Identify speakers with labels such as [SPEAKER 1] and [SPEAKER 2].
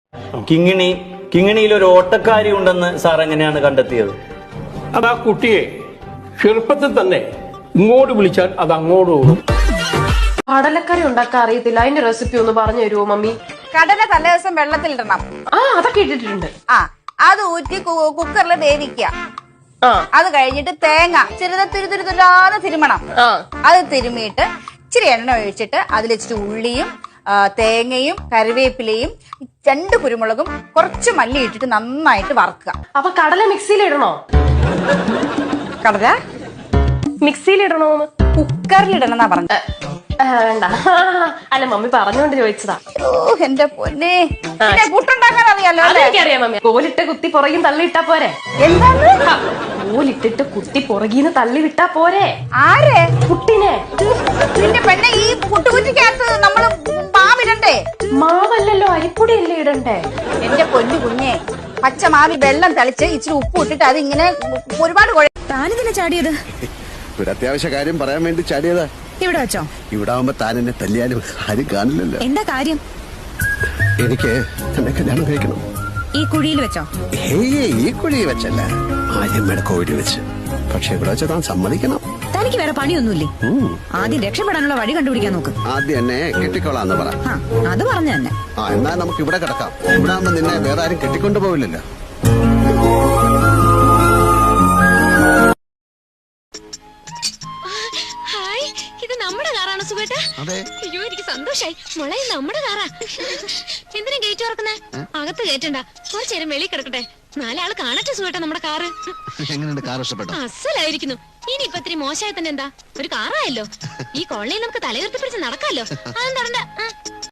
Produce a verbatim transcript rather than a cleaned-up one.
[SPEAKER 1] കിങ്ങിണി കിങ്ങിണിയിൽ ഒരു ഓട്ടക്കാരി ഉണ്ടെന്ന് സാർ എങ്ങനെയാണ് കണ്ടെത്തിയത്?
[SPEAKER 2] അത് ആ കുട്ടിയെ ചെറുപ്പത്തിൽ തന്നെ ഇങ്ങോട്ട് വിളിച്ചാൽ അത് അങ്ങോട്ട് ഓടും.
[SPEAKER 3] കടലക്കറി ഉണ്ടാക്കാൻ അറിയത്തില്ല, അതിന്റെ റെസിപ്പി ഒന്ന് പറഞ്ഞു തരുമോ മമ്മി?
[SPEAKER 4] കടല തലേ ദിവസം വെള്ളത്തിലിടണം.
[SPEAKER 3] ആ അതൊക്കെ ഇട്ടിട്ടുണ്ട്.
[SPEAKER 4] ആ അത് ഊറ്റി കുക്കറിൽ വേവിക്കുക.
[SPEAKER 3] ആ
[SPEAKER 4] അത് കഴിഞ്ഞിട്ട് തേങ്ങ ചെറുത തുരുതുരുതുരാതെ തിരുമണം.
[SPEAKER 3] ആ
[SPEAKER 4] അത് തിരുമിയിട്ട് ഇച്ചിരി എണ്ണ ഒഴിച്ചിട്ട് അതിൽ ഇച്ചിരി ഉള്ളിയും തേങ്ങയും കറിവേപ്പിലയും രണ്ട് കുരുമുളകും കുറച്ച് മല്ലി ഇട്ടിട്ട് നന്നായിട്ട് വറക്കുക.
[SPEAKER 3] അപ്പൊ കടല മിക്സിയിൽ ഇടണോ?
[SPEAKER 4] കടല
[SPEAKER 3] മിക്സിയിൽ ഇടണോന്ന്?
[SPEAKER 4] കുക്കറിലിടണമെന്നാ പറഞ്ഞത്.
[SPEAKER 3] വേണ്ട, അല്ല മമ്മി പറഞ്ഞുകൊണ്ട് ചോദിച്ചതാ.
[SPEAKER 4] ഓ എന്റെ പൊന്നെ, പുട്ടുണ്ടാക്കാൻ അറിയാലോ അല്ലേ?
[SPEAKER 3] എനിക്കറിയാം മമ്മി. കോലിട്ട് കുത്തി പുറകിന്ന് തള്ളി ഇട്ടാ പോരെ?
[SPEAKER 4] എന്താണ്
[SPEAKER 3] കോലിട്ടിട്ട് കുത്തി പുറകിന്ന് തള്ളി വിട്ടാ പോരെ?
[SPEAKER 4] ആരെ?
[SPEAKER 3] പുട്ടിനെ.
[SPEAKER 4] നിന്റെ പെണ്ണെ, ഈ പുട്ടുകുറ്റിക്കകത്ത് നമ്മള് മാവിടണ്ടേ?
[SPEAKER 3] മാവല്ലല്ലോ, അരിപ്പൊടി അല്ലേ ഇടണ്ടേ?
[SPEAKER 4] എന്റെ പൊന്നു കുഞ്ഞെ, പച്ച മാവി വെള്ളം തളിച്ച് ഇച്ചിരി ഉപ്പ് ഇട്ടിട്ട് അത് ഇങ്ങനെ ഒരുപാട്
[SPEAKER 5] താനിതിനെ ചാടിയത്?
[SPEAKER 6] ഒരു അത്യാവശ്യ കാര്യം പറയാൻ വേണ്ടി ചാടിയതാ.
[SPEAKER 5] ഇവിടെ വെച്ചോ?
[SPEAKER 6] ഇവിടെ ആവുമ്പോ താൻ എന്നെ തല്ലിയാലും ആരും കാണില്ലല്ലോ.
[SPEAKER 5] എന്താ കാര്യം?
[SPEAKER 6] എനിക്ക് എന്നെ കല്യാണം കഴിക്കണം.
[SPEAKER 5] ഈ കുഴിയിൽ വെച്ചോ?
[SPEAKER 6] ഏയ് ഈ കുഴി വെച്ചല്ല, ആര്യമ്മയുടെ കോഴി വെച്ച്. പക്ഷെ ഇവിടെ വെച്ച് താൻ സമ്മതിക്കണം.
[SPEAKER 5] തനിക്ക് വേറെ പണിയൊന്നുമില്ലേ? ആദ്യം രക്ഷപ്പെടാനുള്ള വഴി കണ്ടുപിടിക്കാൻ നോക്ക്.
[SPEAKER 6] ആദ്യം എന്നെ കെട്ടിക്കോളാന്ന് പറ.
[SPEAKER 5] അത് പറഞ്ഞു തന്നെ.
[SPEAKER 6] ആ എന്നാ നമുക്ക് ഇവിടെ കിടക്കാം. ഇവിടെ ആവുമ്പോ നിന്നെ വേറെ ആരും കെട്ടിക്കൊണ്ടു പോവില്ലല്ലോ.
[SPEAKER 7] അയ്യോ എനിക്ക് സന്തോഷായി. മോളെ നമ്മുടെ കാറാ. എന്തിനാ ഗേറ്റ് തുറക്കുന്നേ? അകത്ത് കയറ്റണ്ട, കുറച്ചേരം വെളി കിടക്കട്ടെ. നാലാള് കാണട്ടെ സുഖേട്ടാ നമ്മുടെ കാറ്.
[SPEAKER 6] എങ്ങനെയുണ്ട് കാർ? ഇഷ്ടപ്പെട്ടോ?
[SPEAKER 7] അസലായിരിക്കുന്നു. ഇനി ഇപ്പൊ ഇത്തിരി മോശമായി തന്നെ എന്താ, ഒരു കാറായല്ലോ. ഈ കോളനിയിൽ നമുക്ക് തലയുയർത്തി പിടിച്ച് നടക്കാമല്ലോ. അതൊന്നും തടണ്ട.